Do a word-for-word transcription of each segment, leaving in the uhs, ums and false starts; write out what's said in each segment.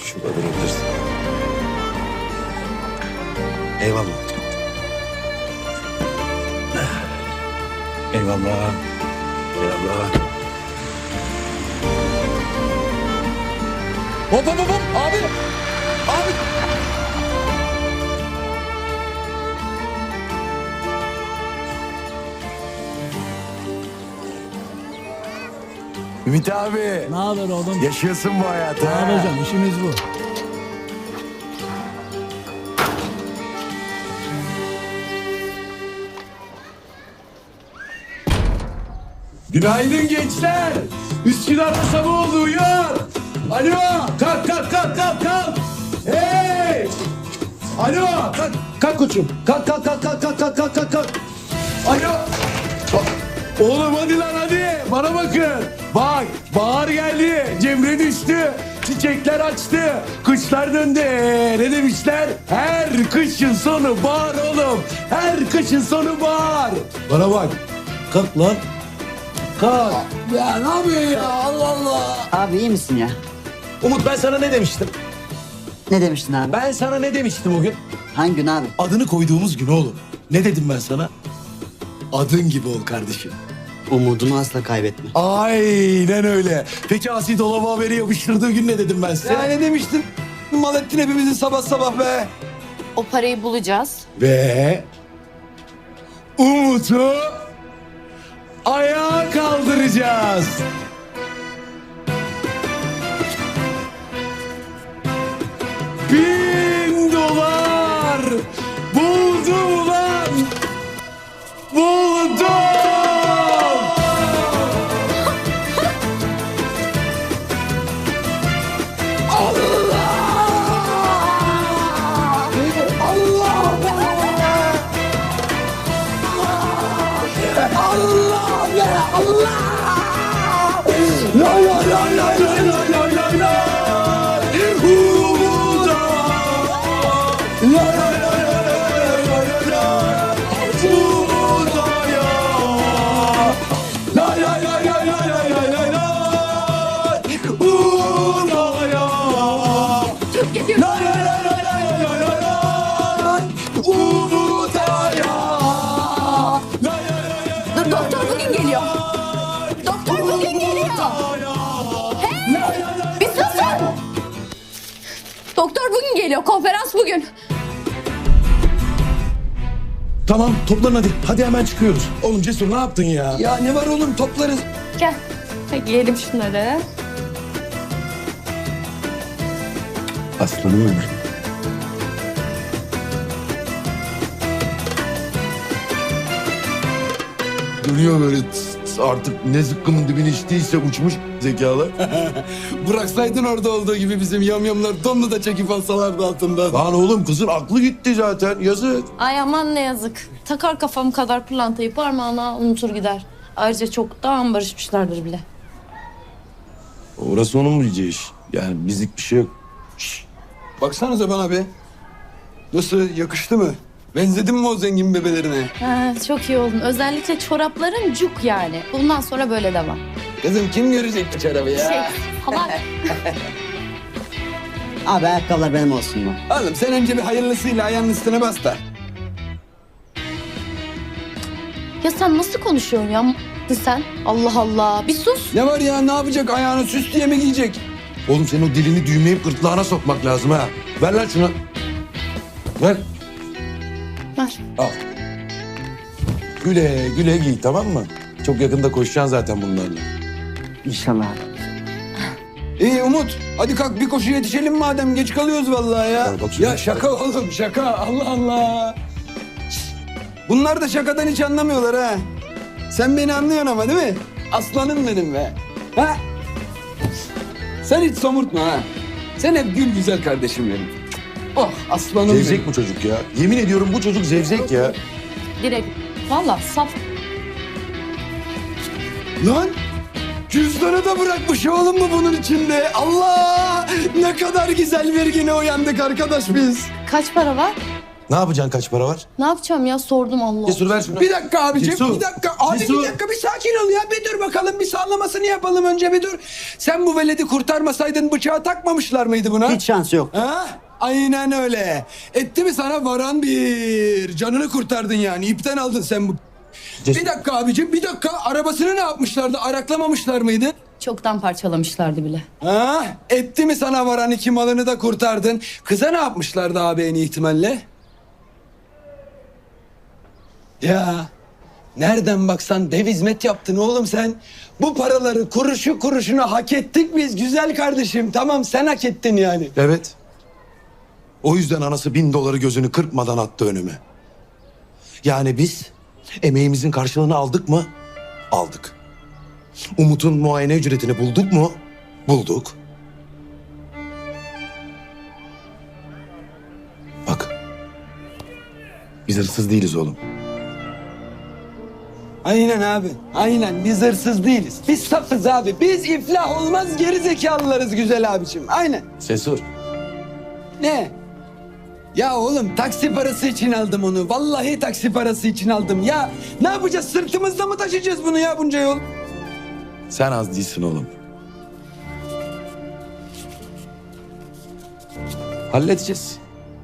şu adını bilirsin. Eyvallah. Eyvallah. Eyvallah. Hop hop hop hop abi. Abi. Ümit abi. Ne haber oğlum? Yaşıyorsun bu hayatı. Ne ha? yapacağım? İşimiz bu. Günaydın gençler. Üsküdar'da sabah oldu, uyan. Alo, kalk kalk kalk kalk kalk. Hey. Alo, kalk, kalk koçum. Kalk kalk kalk kalk kalk kalk kalk kalk kalk. Alo. Oğlum hadi lan hadi. Bana bakın. Bak, bahar geldi. Cemre düştü. Çiçekler açtı. Kışlar döndü. Ne demişler? Her kışın sonu bahar oğlum. Her kışın sonu bahar. Bana bak. Kalk lan. Kalk. Ya ne yapıyorsun ya? Allah Allah. Abi iyi misin ya? Umut ben sana ne demiştim? Ne demiştin abi? Ben sana ne demiştim o gün? Hangi gün abi? Adını koyduğumuz gün oğlum. Ne dedim ben sana? Adın gibi ol kardeşim. Umudunu asla kaybetme. Aynen öyle. Peki Asi dolaba haberi yapıştırdığı gün ne dedim ben size? Ya ne demiştin? Mal ettin hepimizi sabah sabah be. O parayı bulacağız. Ve Umut'u ayağa kaldıracağız. Bin dolar buldum lan. Buldum. Lay lay lay lay lay lay lay lay lay. Umuda. Lay lay lay lay lay lay lay lay. Umuda ya. Lay lay lay lay lay lay lay lay lay. Umuda ya. Lay lay lay lay lay lay lay lay. Umuda ya. Lay lay lay lay. Dur doktor bugün geliyor. Doktor bugün geliyor. Hey! Bir susun. Doktor bugün geliyor. Konferans bugün. Tamam toplan hadi. Hadi hemen çıkıyoruz. Oğlum Cesur ne yaptın ya? Ya ne var oğlum toplarız. Gel. Hadi giyelim şunları. Aslanım benim. Dönüyor böyle tıs tıs, artık ne zıkkımın dibine içtiyse uçmuş zekalar. Bıraksaydın orada olduğu gibi bizim yamyamlar donlu da çekip alsalardı altından. Lan oğlum kızın aklı gitti zaten yazık. Ay aman ne yazık. Takar kafam kadar pırlantayı parmağına unutur gider. Ayrıca çoktan barışmışlardır bile. Orası onun bileceği iş. Yani bizlik bir şey yok. Baksanıza bana be. Nasıl yakıştı mı? Benzedim mi o zengin bebelerine? Ha, çok iyi oldun. Özellikle çorapların cuk yani. Bundan sonra böyle devam. Kızım kim görecek bu çorabı ya? Şey, salak. Abi ayakkabılar benim olsun mu? Oğlum sen önce bir hayırlısıyla ayağının üstüne bas da. Ya sen nasıl konuşuyorsun ya? M- sen. Allah Allah. Bir sus. Ne var ya ne yapacak ayağını süs diye mi giyecek? Oğlum senin o dilini düğmeyip gırtlağına sokmak lazım ha. Ver lan şunu. Ver. Ver. Al. Güle güle giy tamam mı? Çok yakında koşacaksın zaten bunlarla. İnşallah abi. İyi Umut hadi kalk bir koşu yetişelim madem geç kalıyoruz vallahi ya. Ya bak şuna. Ya şaka oğlum şaka Allah Allah. Bunlar da şakadan hiç anlamıyorlar ha. Sen beni anlıyorsun ama değil mi? Aslanım benim be. Ha? Sen hiç somurtma ha. Sen hep gül güzel kardeşim benim. Oh aslanım Zevzek benim. bu çocuk ya. Yemin ediyorum bu çocuk zevzek ya. Direkt. Valla saf. Lan cüzdanı da bırakmış oğlum mu bunun içinde? Allah! Ne kadar güzel bir güne uyandık arkadaş biz. Kaç para var? Ne yapacaksın kaç para var? Ne yapacağım ya sordum Allah. Cesur ver şunu. Bir dakika abicim, Cesur. bir dakika. Abi Cesur. bir dakika, bir sakin ol ya. Bir dur bakalım, bir sallamasını yapalım önce, bir dur. Sen bu veledi kurtarmasaydın bıçağı takmamışlar mıydı buna? Hiç şansı yok. Ha? Aynen öyle. Etti mi sana varan bir. Canını kurtardın yani. İpten aldın sen bu. Cesur. Bir dakika abicim, bir dakika. Arabasını ne yapmışlardı? Araklamamışlar mıydı? Çoktan parçalamışlardı bile. Ha? Etti mi sana varan, iki malını da kurtardın. Kıza ne yapmışlardı abi en ihtimalle? Ya nereden baksan dev hizmet yaptın oğlum sen. Bu paraları kuruşu kuruşuna hak ettik biz güzel kardeşim. Tamam, sen hak ettin yani. Evet. O yüzden anası bin doları gözünü kırpmadan attı önüme. Yani biz emeğimizin karşılığını aldık mı? Aldık. Umut'un muayene ücretini bulduk mu? Bulduk. Bak. Biz hırsız değiliz oğlum. Aynen abi. Aynen, biz hırsız değiliz. Biz safız abi. Biz iflah olmaz geri zekalılarız güzel abicim. Aynen. Sesur. Ne? Ya oğlum, taksi parası için aldım onu. Vallahi taksi parası için aldım. Ya ne yapacağız? Sırtımızda mı taşıyacağız bunu ya bunca yol? Sen az değilsin oğlum. Halledeceğiz.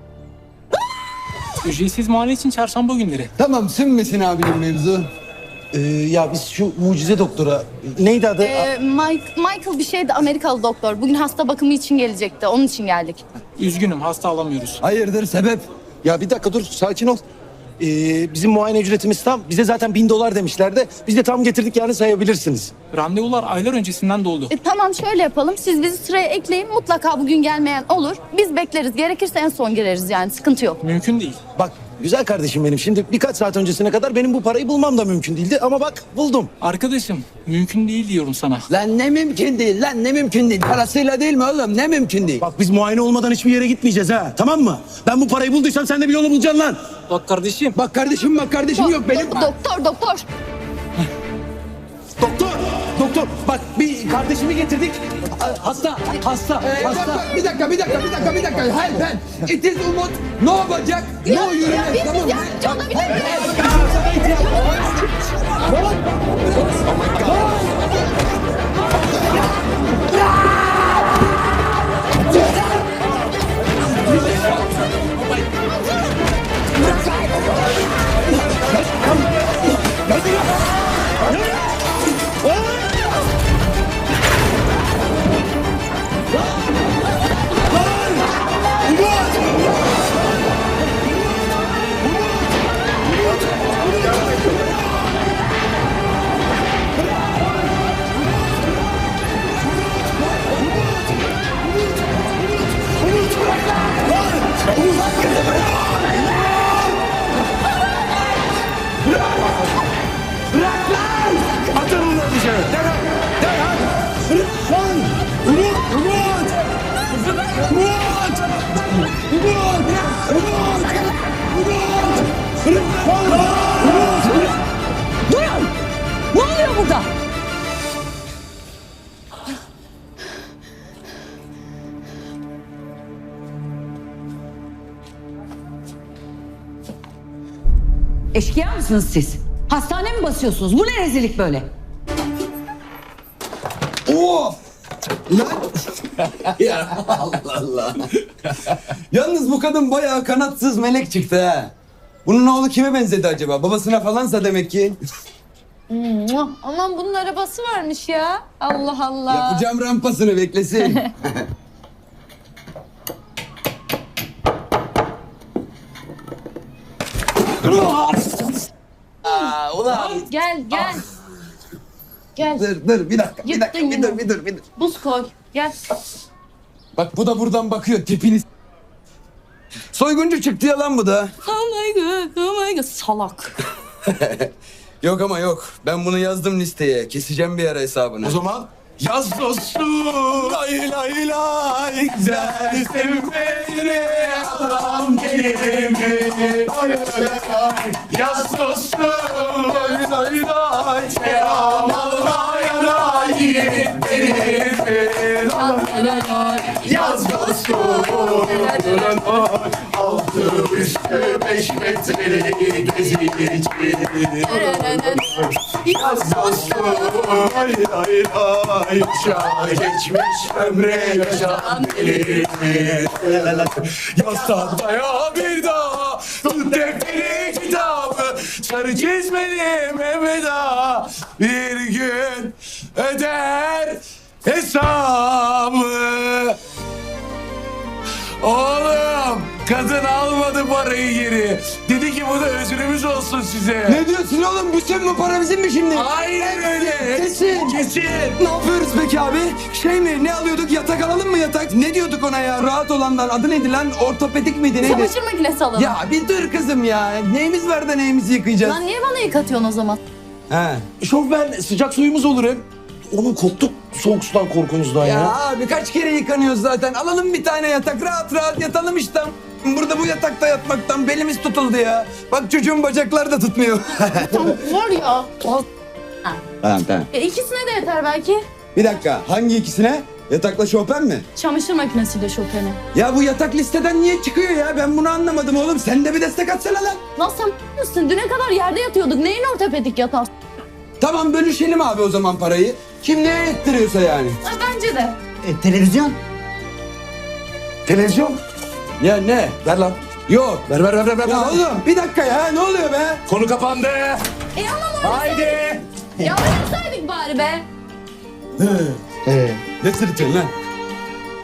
Ücretsiz muayene için çarşamba günleri. Tamam, sünmesin abinin mevzu. Ee, ya biz şu mucize doktora neydi adı? Ee, Mike, Michael bir şeydi, Amerikalı doktor. Bugün hasta bakımı için gelecekti. Onun için geldik. Üzgünüm, hasta alamıyoruz. Hayırdır, sebep? Ya bir dakika dur, sakin ol. Ee, bizim muayene ücretimiz tam. Bize zaten bin dolar demişlerdi. Biz de tam getirdik, yani sayabilirsiniz. Randevular aylar öncesinden doldu. E, tamam, şöyle yapalım. Siz bizi sıraya ekleyin. Mutlaka bugün gelmeyen olur. Biz bekleriz. Gerekirse en son gireriz yani. Sıkıntı yok. Mümkün değil. Bak güzel kardeşim benim. Şimdi birkaç saat öncesine kadar benim bu parayı bulmam da mümkün değildi. Ama bak buldum. Arkadaşım, mümkün değil diyorum sana. Lan ne mümkün değil, lan ne mümkün değil. Parasıyla değil mi oğlum? Ne mümkün değil? Bak biz muayene olmadan hiçbir yere gitmeyeceğiz ha. Tamam mı? Ben bu parayı bulduysam sen de bir yolu bulacaksın lan. Bak kardeşim. Bak kardeşim, bak kardeşim yok benim. Do- doktor, doktor. Doktor, doktor. Bak bir kardeşimi getirdik. Hasta, hasta, Ee, bak, hasta. bak, bir dakika, bir dakika, bir dakika, bir dakika. Hayır ben. It is Umut. Ne yapacak? Ya, No yürüyüş. ya biz Tamam mı? yardımcı olabilir miyiz? Atın onları dışarı. Derhal, derhal. Bırak lan. Umut, Umut. Umut. Umut. Umut. Umut. Bırak lan. Umut. Durun! Ne oluyor burada? Eşkıya mısınız siz? Hastane mi basıyorsunuz? Bu ne rezillik böyle? Oo! Lan! Ya Allah Allah. Yalnız bu kadın bayağı kanatsız melek çıktı ha. Bunun oğlu kime benzedi acaba? Babasına falansa demek ki. Muah! Aman bunun arabası varmış ya. Allah Allah. Yapacağım rampasını, beklesin. Aa, ulan. Gel gel. Gel. Dur dur bir dakika, bir Yırttın dakika, bir yine. dur, bir dur, bir dur. Buz koy. Gel. Bak bu da buradan bakıyor, tipini. Soyguncu çıktı ya lan bu da. Oh my god, oh my god. Salak. Yok ama yok. Ben bunu yazdım listeye. Keseceğim bir ara hesabını. O zaman yaz dostum. Lay lay lay. Güzel sevmeni adam kelime. Lay lay lay. Yaz dostum. Lay lay lay. Selam Allah'a da yiğitlerim. Lay lay lay. Yaz dostum. Lay lay lay. Altı üstü beş metrelik gezici. Yaz dostum ay ay ay. Uçağa geçmiş ömre yaşan elimiz. Yaz tahtaya bir daha tut defteri kitabı. Sarı çizmeli Mehmet Ağa bir gün öder hesabı. Oğlum kadın almadı parayı geri. Dedi ki bu da özrümüz olsun size. Ne diyorsun oğlum? Bütün bu para bizim mi şimdi? Aynen öyle. Kesin. Kesin. Ne yapıyoruz peki abi? Şey mi? Ne alıyorduk? Yatak alalım mı yatak? Ne diyorduk ona ya? Rahat olandan. Adı neydi lan? Ortopedik miydi? Neydi? Çamaşır makinesi alalım. Ya bir dur kızım ya. Neyimiz var da neyimizi yıkayacağız? Lan niye bana yıkatıyorsun o zaman? He. Şofben sıcak suyumuz olur hem. Onun korktuk soğuk sudan korkumuzdan ya. Ya abi kaç kere yıkanıyoruz zaten. Alalım bir tane yatak. Rahat rahat yatalım işte. Burada bu yatakta yatmaktan belimiz tutuldu ya. Bak çocuğun bacakları da tutmuyor. Var ya. Tamam tamam. E, ikisine de yeter belki. Bir dakika. Hangi ikisine? Yatakla Chopin mi? Çamaşır makinesiyle Chopin'i. Ya bu yatak listeden niye çıkıyor ya? Ben bunu anlamadım oğlum. Sen de bir destek atsana lan. Lan sen mısın? Düne kadar yerde yatıyorduk. Neyin ortopedik yatağı? Tamam bölüşelim abi o zaman parayı. Kim neye ettiriyorsa yani. Ha, bence de. E, televizyon? Televizyon. Ya ne? Ver lan. Yok. Ver ver ver ver. ver. Ya oğlum bir dakika ya. Ne oluyor be? Konu kapandı. E ama Haydi. ya oynasaydık bari be. Ne sırıtıyorsun lan?